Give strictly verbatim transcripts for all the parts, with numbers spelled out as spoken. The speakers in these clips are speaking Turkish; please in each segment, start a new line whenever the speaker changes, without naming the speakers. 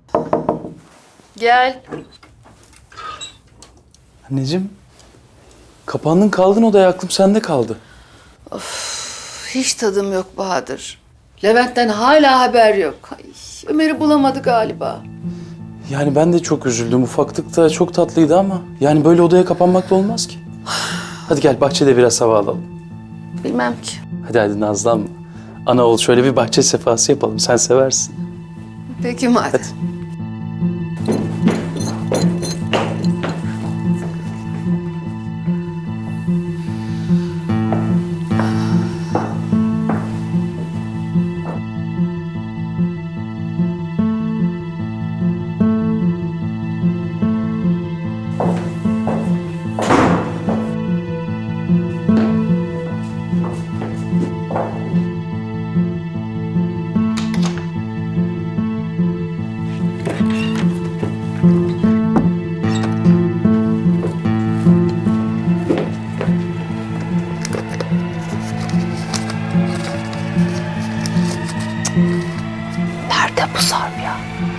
Gel.
Anneciğim, kapandın kaldın odaya, aklım sende kaldı.
Hiç tadım yok Bahadır. Levent'ten hala haber yok. Ay, Ömer'i bulamadı galiba.
Yani ben de çok üzüldüm. Ufaklık da çok tatlıydı ama yani böyle odaya kapanmak da olmaz ki. Hadi gel bahçede biraz hava alalım.
Bilmem ki.
Hadi hadi nazlanma. Ana oğul şöyle bir bahçe sefası yapalım. Sen seversin.
Peki madem.
Hadi.
Nerede bu Sarp ya?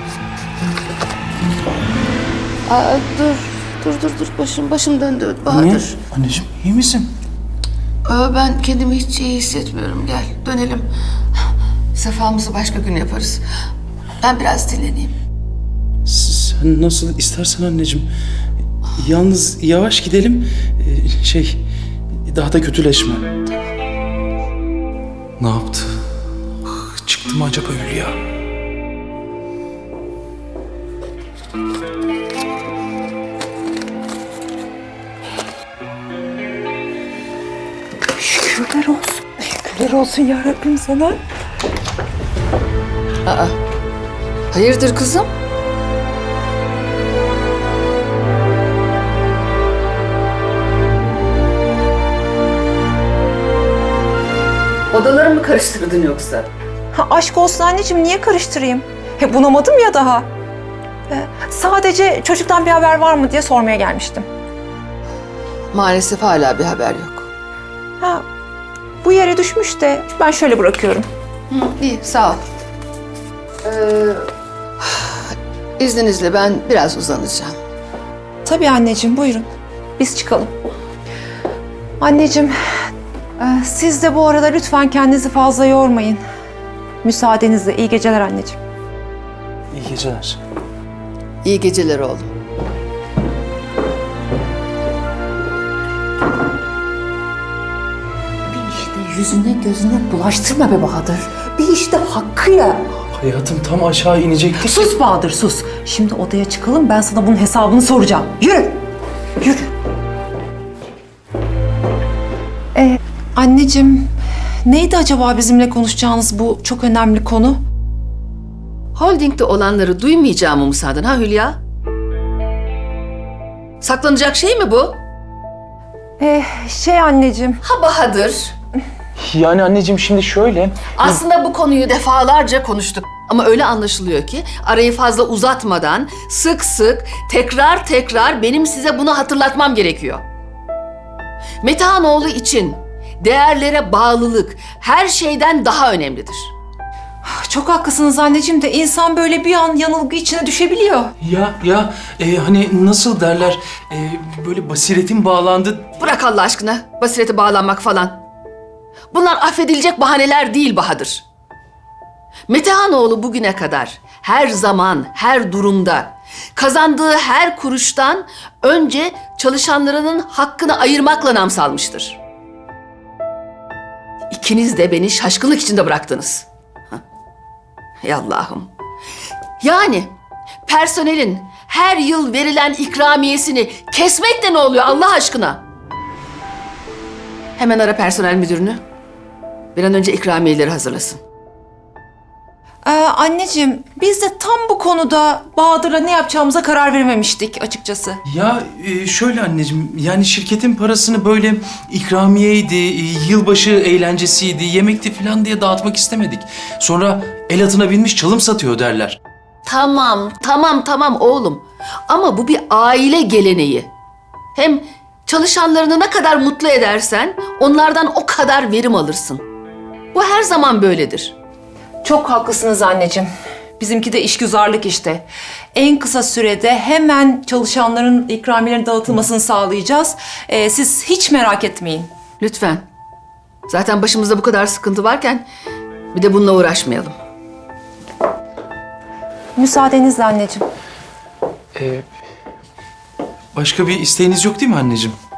Aa, dur. Dur dur dur. Başım başım döndü Bahadır.
Ne? Anneciğim iyi misin?
Aa, ben kendimi hiç iyi hissetmiyorum. Gel dönelim. Sefamızı başka gün yaparız. Ben biraz dinleneyim.
Sen nasıl istersen anneciğim. Yalnız yavaş gidelim. Ee, şey, daha da kötüleşme. Ne yaptı? Ah, çıktı mı acaba Hülya?
Şükürler olsun. Şükürler olsun ya Rabbim sana.
Aa. Hayırdır kızım? Odaları mı karıştırdın yoksa?
Ha, aşk olsun anneciğim, niye karıştırayım? He, bunamadım ya daha. Ee, sadece çocuktan bir haber var mı diye sormaya gelmiştim.
Maalesef hala bir haber yok.
Ha, bu yere düşmüş de ben şöyle bırakıyorum.
Hı, iyi, sağ ol. Ee, izninizle ben biraz uzanacağım.
Tabii anneciğim, buyurun. Biz çıkalım. Anneciğim, e, siz de bu arada lütfen kendinizi fazla yormayın. Müsaadenizle iyi geceler anneciğim.
İyi geceler.
İyi geceler oğlum.
Bir işte yüzüne gözüne bulaştırma be Bahadır. Bir işte hakkıyla.
Hayatım tam aşağı inecektik.
Sus Bahadır, sus. Şimdi odaya çıkalım, ben sana bunun hesabını soracağım. Yürü, yürü. Ee, anneciğim, neydi acaba bizimle konuşacağınız bu çok önemli konu?
Holding'de olanları duymayacağımı mı sandın ha Hülya? Saklanacak şey mi bu?
Ee, şey anneciğim,
Ha Bahadır.
Yani anneciğim şimdi şöyle.
Aslında bu konuyu defalarca konuştuk. Ama öyle anlaşılıyor ki arayı fazla uzatmadan sık sık tekrar tekrar benim size bunu hatırlatmam gerekiyor. Metehanoğlu için değerlere bağlılık her şeyden daha önemlidir.
çok haklısınız anneciğim de insan böyle bir an yanılgı içine düşebiliyor.
Ya ya e, hani nasıl derler e, böyle basiretin bağlandı.
Bırak Allah aşkına basirete bağlanmak falan. Bunlar affedilecek bahaneler değil Bahadır. Metehanoğlu bugüne kadar her zaman, her durumda kazandığı her kuruştan önce çalışanlarının hakkını ayırmakla nam salmıştır. İkiniz de beni şaşkınlık içinde bıraktınız. Hah. Ey Allah'ım. Yani personelin her yıl verilen ikramiyesini kesmek de ne oluyor Allah aşkına? Hemen ara personel müdürünü. Bir an önce ikramiyeleri hazırlasın.
Ee, anneciğim, biz de tam bu konuda Bahadır'la ne yapacağımıza karar verememiştik açıkçası.
Ya e, şöyle anneciğim yani şirketin parasını böyle ikramiyeydi, e, yılbaşı eğlencesiydi, yemekti falan diye dağıtmak istemedik. Sonra el atına binmiş çalım satıyor derler.
Tamam, tamam, tamam oğlum. Ama bu bir aile geleneği. Hem çalışanlarını ne kadar mutlu edersen onlardan o kadar verim alırsın. Bu her zaman böyledir.
Çok haklısınız anneciğim. Bizimki de işgüzarlık işte. En kısa sürede hemen çalışanların ikramiyelerin dağıtılmasını sağlayacağız. Ee, siz hiç merak etmeyin.
Lütfen. Zaten başımızda bu kadar sıkıntı varken bir de bununla uğraşmayalım.
Müsaadenizle anneciğim.
Başka bir isteğiniz yok değil mi anneciğim?